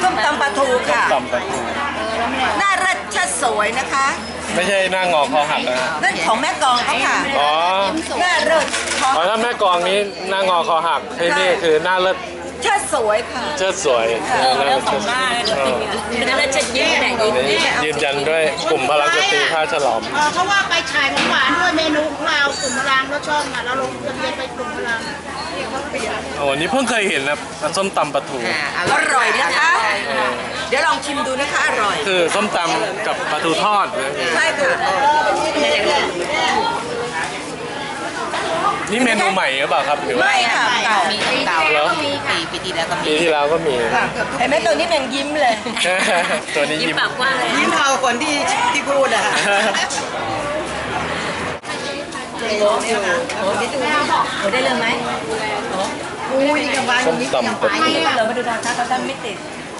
ส้มตำปลาทูค่ะตำปลาทูหน้ารัชสวยนะคะไม่ใช่หน้างอคอหักนะฮะนั่นของแม่กองเขาค่ะอ๋อหน้าเลิศทออ๋อถ้าแม่กองนี้หน้างอคอหักที่นี่คือหน้าเลิศเชิดสวยค่ะเชิดสวยแล้วสองหน้าเลยแล้วจะยิ้มไหนยิ้มนี่ยืนยันด้วยกลุ่มพลังสตรีท่าฉลอมเพราะว่าไปฉายของหวานด้วยเมนูของเรากลุ่มพลังรถช่องอ่ะเราลงทะเบียนไปกลุ่มพลังโอ้นี่เพิ่งเคยเห็นนะส้มตำปลาทูอร่อยนะคะ เดี๋ยวลองชิมดูนะคะอร่อยคือส้มตำกับปลาทูทอดนะใช่ค่ะนี่เมนูใหม่หรือเปล่าครับหรือว่าไม่ค่ะเก่าเก่าแล้วปีที่แล้วก็มีปีที่แล้วก็มีเห็นไหมตัวนี้มันยิ้มเลยตัวนี้ยิ้มยิ้มปากกว้างเลยยิ้มเท่าคนที่พูดอะค่ะได้เรื่องไหมอุ้ยกับวานส้มตำปลาทูเรามาดูทางค้าเขาท่านไม่ติด